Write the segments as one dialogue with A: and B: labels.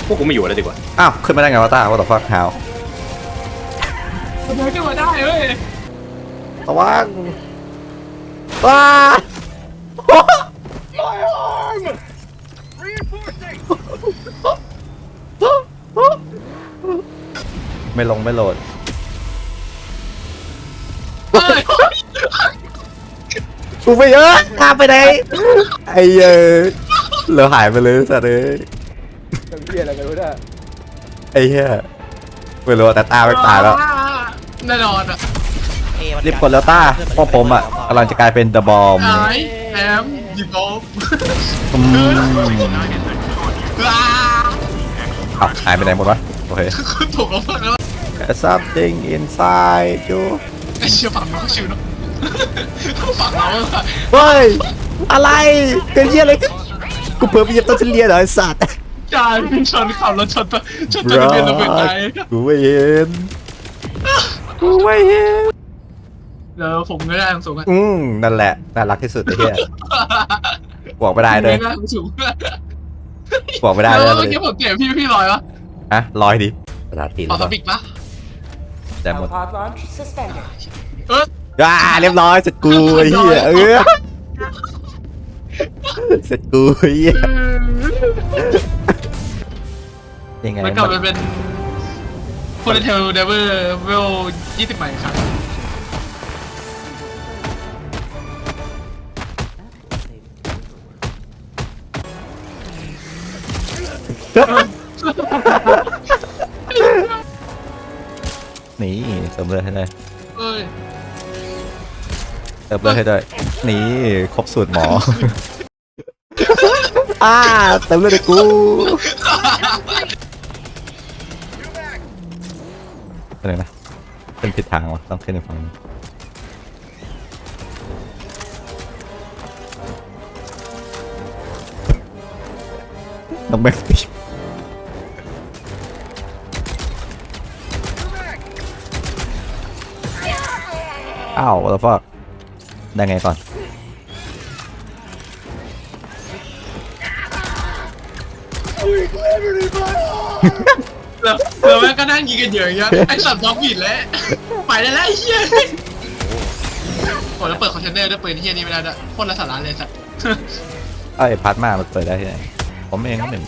A: พวกกูไม่อยู่แล้วดีกว่า
B: อ้าวขึ้นมาได้ไงวะตาว่าต่อฟักหาว
C: ทำไมขึ้นมาได้เว้ย
B: ระวังว้าไม่ลงไม่โหลด
C: เฮ้ย
B: กูไปเยอะตามไปไหนไอ้เหลือหายไปเลยสัตว์เลย
D: ทำเหี้ยอะไรกันวะเนี่ย
B: ไอ้เหี้ยไม่รู้แต่ตาไปตายแล้ว
C: แน่นอนอ่ะ
B: รีบกดแล้วต้าเพราะผมอ่ะกำลังจะกลายเป็นเดอะบอม
C: ไอ้แอมยิงโป๊ะ
B: หายไปไหนหมดวะโอเค
C: ถูกแล้วฟังแล้ว
B: something inside you
C: ไอ้เชี่ยฝั่งเราชิวเนาะฝั่งเราอะ
B: เฮ้ยอะไรเกิดเหี้ยอะไรกันกูเพิ่มไปเหยียบต้นเฉลียเหรอไอ้สัตว์
C: ใช่ชนขับรถชนตัวทะเบียนระเบิดตาย
B: กูไม่เห็นกูไม่เห็น
C: แล้วผมไม่ได้ทางสูงอ่ะ
B: นั่นแหละน่ารักที่สุดไอ้เหี้ยบอกไม่ได้เลย
C: ไม่ได้ทางสูง
B: บอกไม่ได้
C: แล้
B: เล
C: วย เมื่อกี้ผมเตะพี่ลอยวะ
B: ฮะลอยดิภาษาตีน
C: ออโตบิกปะ
B: แต่หมด
E: Pod launch suspended.
B: เรียบร้อยเสร็จกูไอ้เหี้ยเสร็จกูไอ้เหี้ยยังไง
C: มันกลับมาเป็นฟูลเทลเดเวอร์เวล20ใหม่ครับ
B: นี่เติมเลือดให้ได้
C: เอ้ย
B: เติมเลือดให้ได้นี่ครบสูตรหมอเติมเลือดให้กูอะไรนะเป็นผิดทางวะต้องขึ้นในฝั่งนี้ต้องแบกตีอ้าวแล้วก็ได้ไงก่อน
C: แล้วแม่งก็นั่งยิงกันอย่างเงี้ยไอ้สัตว์บล็อกบิดแล้วไปได้แล้วไอ้เหี้ยโอ้แล้วเปิดคอนเทนเนอร์ด้วยปืนเหี้ยนี่ไม่ได้ด้วยโคตรไร้สาระเลยสัตว์
B: ไอ้พาร์ทมามันเปิดได้ที่ไหนผมเองก็หนึ่ง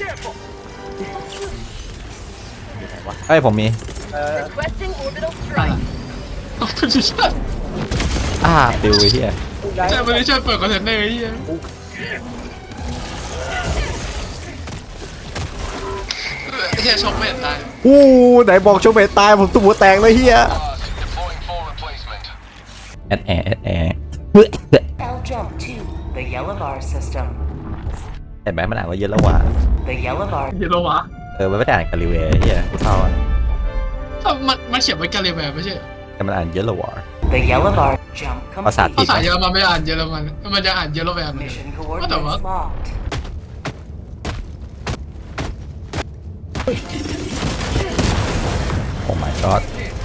B: ไอ้ผมมี
E: Requesting orbital
C: อะไร
E: strike.
C: ขอบคุณที่ช่วย
B: ปิวไอ้เหี้ย
C: ใช่ไม่ได้ช่วยเปิดคอนเทนเนอร์ไอ้เหี้ยไอ้เหี้ยช็อกไม่เห็นตาย
B: ไหนบอกโชว์เมตตายผมตุ้มหัวแตกเลยเฮียแอดแอร์
E: L jump to the yellow bar system.
B: เห็นไหมมันอ่านว่าเยอะแล้วว่ะ
E: The yellow bar.
C: เหี้ยโลวะ
B: มันไม่ได้อ่านกาลิเวย์เฮียกูเท่าอ่ะ
C: มันเขียนไว้กันเลยแบบไม่ใช่
B: แต่มันอ่านเยอะแล้วว่ะ
E: The yellow bar. Jump
B: ภาษา
E: complete.
C: ภาษาเยอรมันไม่อ่านเยอรมันมันจะอ่านเยอรมัน
E: Mission
C: What the
E: coordinates
C: fuck?
E: locked.
B: โอ้ my god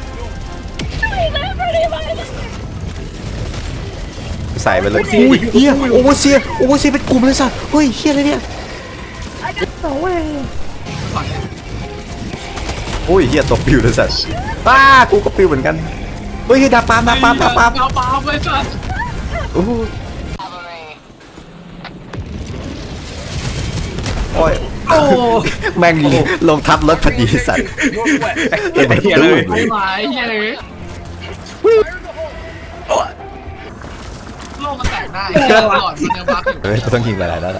B: ใส่ไปเลยอุ้ยเฮียโอเวอร์เซียเป็นกลุ่มเลยสัสเฮ้ยเฮียอะไรเนี่ยโอ้ยเฮียตกปิวเลยสัสกูก็ปิวเหมือนกันเฮ้ยดาบปาม
C: ดาวปามไอ้สัส
B: โอ้ยแม่งลงทับรถพอดีสัตว์เห็นไหมเฮียเลย
C: ไอ้หมายเหี้ยเลยโลกมันแตกได้หลอดมันยังบั๊กอยู่
B: เฮ้ยต้องยิงหลายๆแล้วล่ะ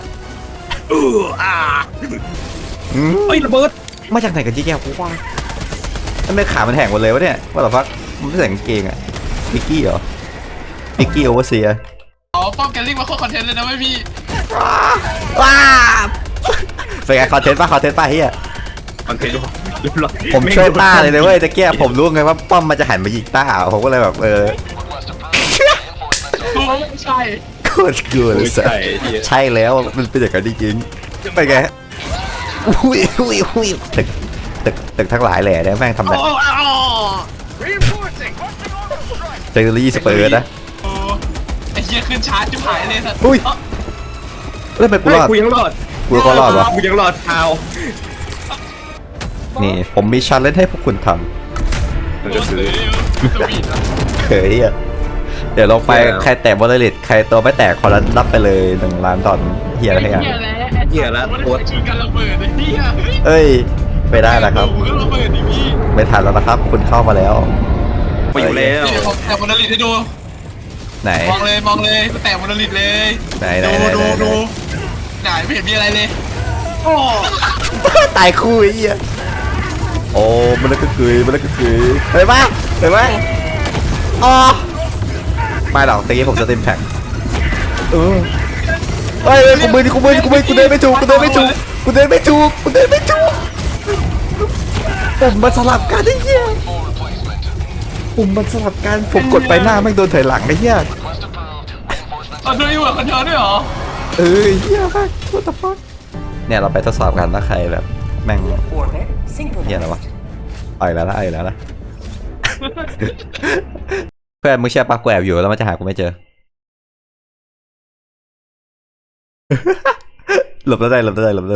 A: เฮ้ยระเบิด
B: มาจากไหนกันยี่แก้วกูว่าทำไมขามันแหงหมดเลยวะเนี่ยว่าแต่ฟักมันไม่ใส่กางเกงอะมิกกี้เหรอมิกกี้โอเวอร์เซีย
C: อ๋อป้อมแกลลิงมาโคตรคอนเทนต์เลยนะไม่พี่
B: ว้าเป็นไงคอนเทนต์ป่ะเฮีย
A: มันเป็นเรียบร้อย
B: ผมช่วยต้าเลยนะเว้ยตะเกียบผมรู้ไงว่าป้อมมันจะหันมายิงต้าผมก็เลยแบบ
C: ใช่
B: โคตรกลัวเลยสัสใช่แล้วมันเป็นอย่างนั้นจริงๆไปไงอุ้ยตึกทั้งหลายแหล่เนี่ยแม่งทำได้เทคโนโลยีสเปอร์นะ
C: ไอ้เหี้ยขึ้นชาร์จจุ๊บหายเลยสัตว์
B: อุ้ยแล้วทำไมกูรอด
A: กูยังรอด
B: กูก็รอดวะ
A: กูยังรอดเท้า
B: นี่ผมมีชันเล่นให้พวกคุณท
A: มันก็คือ
C: สวีทอะ
B: ำเฮ้ยอะเดี๋ยวลงไปใครแตะบอลเลตใครตัวไม่แตกคนละรับไปเลย1 ล้านดอลเฮียอะไรอย่าง
C: เหี้ยแล้วโคตรชิงกันระเบิดไอ้เหี้ย
B: เอ้ยไม่ได้แล้วครับ
C: โอ้โหระเบิดดิพี่
B: ไม่ทันแล้วนะครับ คุณเข้ามาแล้ว
A: มาอยู่แล้ว
C: เดี๋ยวผมแตะโมนาลิทให้ดู
B: ไหน
C: มองเลยแตะโมนาลิทเลย
B: ไหน
C: ดูไหนไม่เห็นมีอะไรเลยโอ้
B: ตายคู่ไอ้เหี้ยโอ้มันเลยก็เกยเห็นปะอ๋อไม่หรอกตะกี้ผมจะเต็มแพ็คเฮ้ยกูมือกูเดินไม่ถูกผมมันสลับกันไอ้เหี้ยผมกดไปหน้าแม่งโดนถอยหลังไอ้เหี้ย
C: เอาด้วยอยู่คนเดียวด้วยเหรอ
B: เหี้ยมาก what the fuck เนี่ยเราไปทดสอบกันถ้าใครแบบแม่ง
E: Orbit
B: เหี้ยอะไรวะ
E: synchronized.
B: เอาอีกแล้วนะ เพื่อนมึงเชื่อปะกูแอบอยู่แล้วมันจะหากูไม่เจอ หลบแล้วได้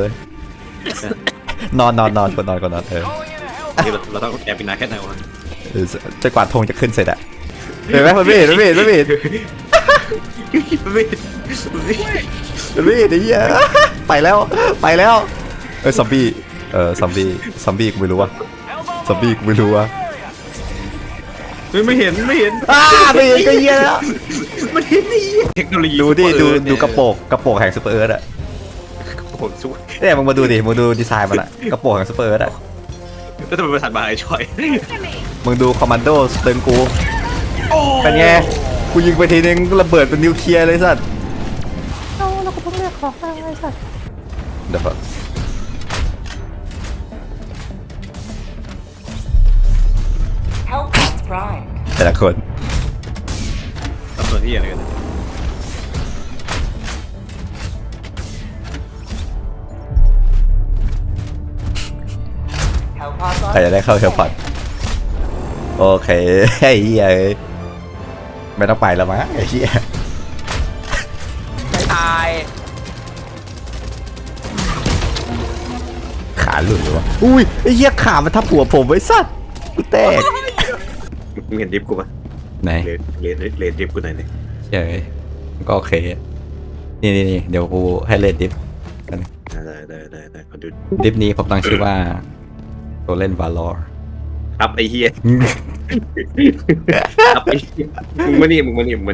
B: นอนก่อนนอน
A: นี่เราต้องแอบเป็นนายแค่ไหนวะ
B: จนกว่าธงจะขึ้นเสร็จอะเห็นไหมมันไม่เห็นไอ้เหี้ยไปแล้วซอมบี้กูไม่รู้ว่า
A: ไม่เห็น
B: ไม่เห็นก็เหี้ยแล้ว
A: มันเห็นนี่เทคโนโลยี
B: ดูกระโปรงแห่งซูเปอร์เอิร์ธอะ
A: โอ้โหสู้
B: เนี่ยมึงดูดีไซน์มันอะกระโปรงแห่งซูเปอร์เอิร์ธอะ
A: แล้วทำไมประสานมาไอ้ช่อย
B: มึงดูคอมมานโดสเติร์นกูเป็นไงกูยิงไปทีนึงระเบิดเป็นนิวเคลียร์เลยสัตว์เราก็ต้องเรียกของอะไรสัตว์เดี๋ยว
E: Hellpods primed.
B: แต่ละคน
A: ตัดส่วนที่อะไรกัน
E: Hellpods
B: ใคร
E: on.
B: จะได้เข้าเฮลพอดโอเคไอ้เหี้ยไม่ต้องไปแล้วมั้งไอ้เหี้ย
D: ตาย
B: ขาหลุดเลยวะอุ้ยไอ้เหี้ยขามันทับหัวผมไว้สัตว์กูแตก
A: มึงเห็นดิฟกูปะ
B: ไหน
A: เลนดิฟกูไหนเนี่ย
B: เฉยก็โอเคนี่เดี๋ยวกูให้เล่นดิฟ
A: ได้ขอดู
B: ดิฟนี้ผมตั้งชื่อว่าตัวเล่นวาลอร์
A: ครับไอ้เฮียครับไอ้มึงมานี่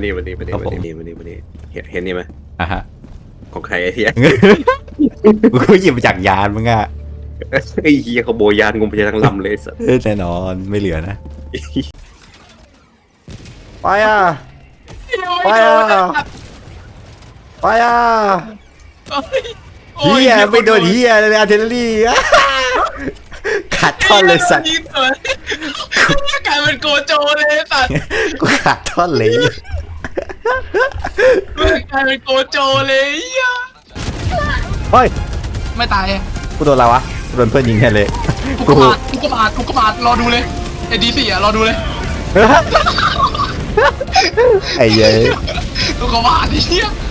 A: เห็นนี่ไหม
B: อ่ะฮะ
A: ของใครไอ้เฮีย
B: กูหยิบมาจากยานมึงอะ
A: ไอ้เฮียเขาโบยานงมไปทั้งลำเลยสัส
B: แน่นอนไม่เหลือนะไปอ่ะเฮียไม่โดนเฮียเลยอาร์เทลลี่ขาดท่อนเลยสัตว์
C: กลายเป็นโกโจเลยสัตว์
B: กูขาดท่อนเลย
C: กลายเป็นโกโจเลยเหี้ย
B: เฮ้ย
C: ไม่ตาย
B: กูโดนอะไรวะกูโดนเพื่อนยิงแค่เลย
C: กูกบาดรอดูเลยไอ้ดี4อ่ะรอดูเลย
B: ไอ้เย้ย
C: กูกบาดไอ้เหี้ย